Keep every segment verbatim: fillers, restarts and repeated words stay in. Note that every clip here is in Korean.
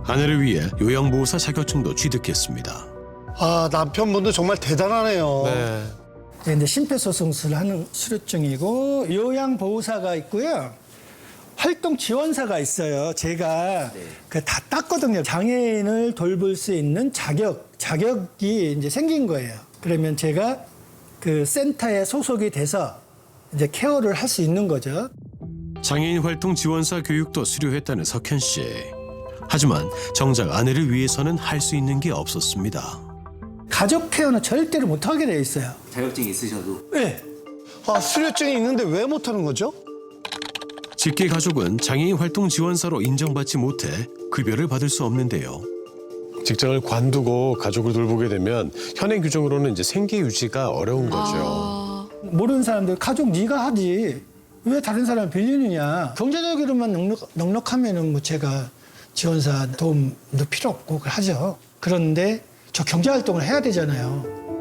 아내를 위해 요양보호사 자격증도 취득했습니다. 아, 남편분도 정말 대단하네요. 네, 이제 심폐소생술을 하는 수료증이고 요양보호사가 있고요. 활동지원사가 있어요. 제가 그 다 땄거든요. 장애인을 돌볼 수 있는 자격, 자격이 이제 생긴 거예요. 그러면 제가 그 센터에 소속이 돼서 이제 케어를 할 수 있는 거죠. 장애인 활동 지원사 교육도 수료했다는 석현 씨. 하지만 정작 아내를 위해서는 할 수 있는 게 없었습니다. 가족 케어는 절대로 못하게 되어 있어요. 자격증이 있으셔도? 네. 아, 수료증이 있는데 왜 못하는 거죠? 직계 가족은 장애인 활동 지원사로 인정받지 못해 급여를 받을 수 없는데요. 직장을 관두고 가족을 돌보게 되면 현행 규정으로는 이제 생계 유지가 어려운 거죠. 모르는 사람들 가족 네가 하지 왜 다른 사람 빌리느냐. 경제적으로만 넉넉, 넉넉하면은 뭐 제가 지원사 도움도 필요 없고 하죠. 그런데 저 경제활동을 해야 되잖아요.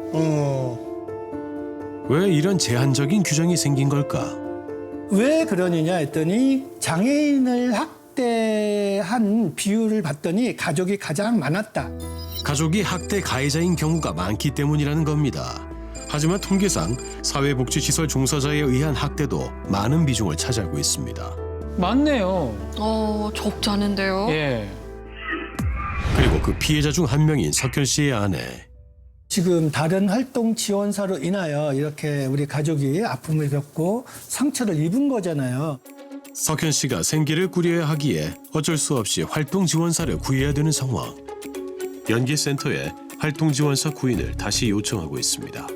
어. 왜 이런 제한적인 규정이 생긴 걸까? 왜 그러느냐 했더니 장애인을 학대한 비율을 봤더니 가족이 가장 많았다. 가족이 학대 가해자인 경우가 많기 때문이라는 겁니다. 하지만 통계상 사회복지시설 종사자에 의한 학대도 많은 비중을 차지하고 있습니다. 맞네요. 어, 적지 않은데요? 예. 그리고 그 피해자 중 한 명인 석현 씨의 아내. 지금 다른 활동 지원사로 인하여 이렇게 우리 가족이 아픔을 겪고 상처를 입은 거잖아요. 석현 씨가 생계를 꾸려야 하기에 어쩔 수 없이 활동 지원사를 구해야 되는 상황. 연계센터에 활동 지원사 구인을 다시 요청하고 있습니다.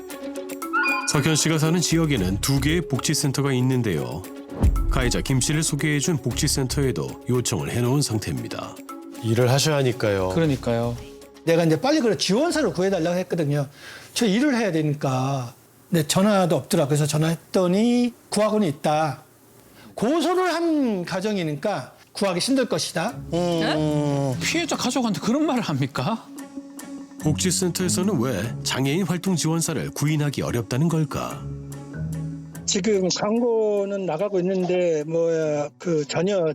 석현 씨가 사는 지역에는 두 개의 복지센터가 있는데요. 가해자 김 씨를 소개해준 복지센터에도 요청을 해놓은 상태입니다. 일을 하셔야 하니까요. 그러니까요. 내가 이제 빨리 그래 지원사를 구해달라고 했거든요. 저 일을 해야 되니까. 근데 전화도 없더라. 그래서 전화했더니 구하고는 있다. 고소를 한 가정이니까 구하기 힘들 것이다. 음. 피해자 가족한테 그런 말을 합니까? 복지센터에서는 왜 장애인 활동 지원사를 구인하기 어렵다는 걸까? 지금 광고는 나가고 있는데 뭐야 그 전혀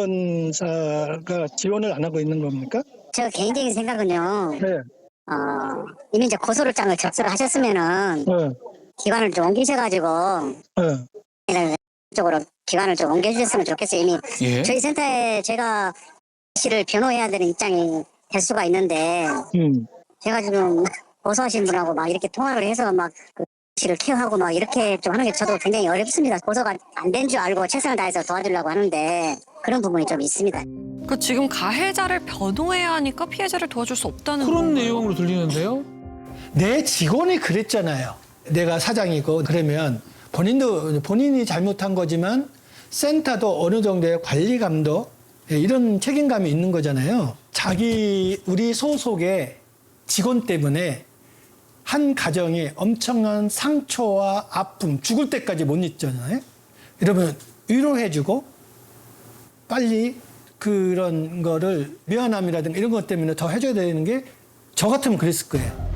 지원사가 지원을 안 하고 있는 겁니까? 저 개인적인 생각은요. 네. 어, 이미 이제 고소를 장을 접수를 하셨으면은 네. 기관을 좀 옮기셔가지고 네. 쪽으로 기관을 좀 옮겨주셨으면 좋겠어요. 이미 예. 저희 센터에 제가 씨를 변호해야 되는 입장이 될 수가 있는데 음. 제가 지금 고소하신 분하고 막 이렇게 통화를 해서 막 그 씨를 케어하고 막 이렇게 좀 하는 게 저도 굉장히 어렵습니다. 고소가 안 된 줄 알고 최선을 다해서 도와주려고 하는데 그런 부분이 좀 있습니다. 그 지금 가해자를 변호해야 하니까 피해자를 도와줄 수 없다는 그런 건가요? 내용으로 들리는데요. 내 직원이 그랬잖아요. 내가 사장이고 그러면 본인도 본인이 잘못한 거지만 센터도 어느 정도의 관리 감독 이런 책임감이 있는 거잖아요. 자기 우리 소속의 직원 때문에 한 가정이 엄청난 상처와 아픔, 죽을 때까지 못 잊잖아요. 이러면 위로해주고 빨리 그런 거를 미안함이라든가 이런 것 때문에 더 해줘야 되는 게 저 같으면 그랬을 거예요.